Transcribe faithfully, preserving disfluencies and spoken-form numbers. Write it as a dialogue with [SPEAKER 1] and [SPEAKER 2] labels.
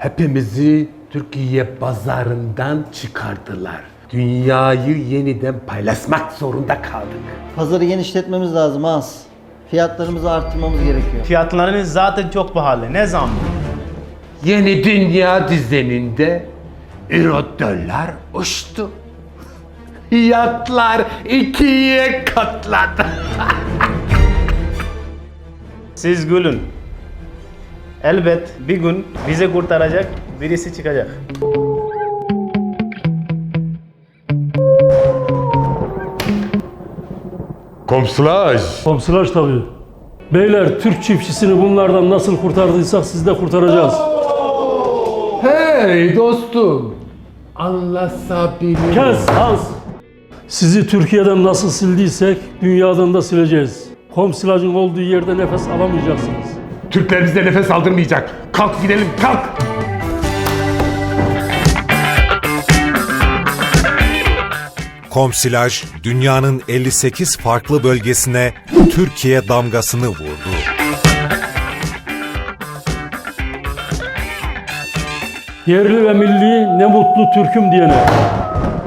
[SPEAKER 1] Hepimizi Türkiye pazarından çıkardılar. Dünyayı yeniden paylaşmak zorunda kaldık.
[SPEAKER 2] Pazarı genişletmemiz lazım az. Fiyatlarımızı arttırmamız gerekiyor.
[SPEAKER 3] Fiyatlarınız zaten çok pahalı. Ne zam?
[SPEAKER 1] Yeni dünya düzeninde euro dolar uçtu. Fiyatlar ikiye katladı.
[SPEAKER 3] Siz gülün. Elbet bir gün bizi kurtaracak birisi çıkacak.
[SPEAKER 1] Komşular.
[SPEAKER 4] Komşular tabii. Beyler, Türk çiftçisini bunlardan nasıl kurtardıysak siz de kurtaracağız.
[SPEAKER 1] Hey dostum. Anlaşabiliriz.
[SPEAKER 4] Kes Hans! Sizi Türkiye'den nasıl sildiysek dünyadan da sileceğiz. Komsilajın olduğu yerde nefes alamayacaksınız.
[SPEAKER 1] Türkler bize nefes aldırmayacak. Kalk gidelim, kalk.
[SPEAKER 5] Komsilaj, dünyanın elli sekiz farklı bölgesine Türkiye damgasını vurdu.
[SPEAKER 4] Yerli ve milli ne mutlu Türk'üm diyene.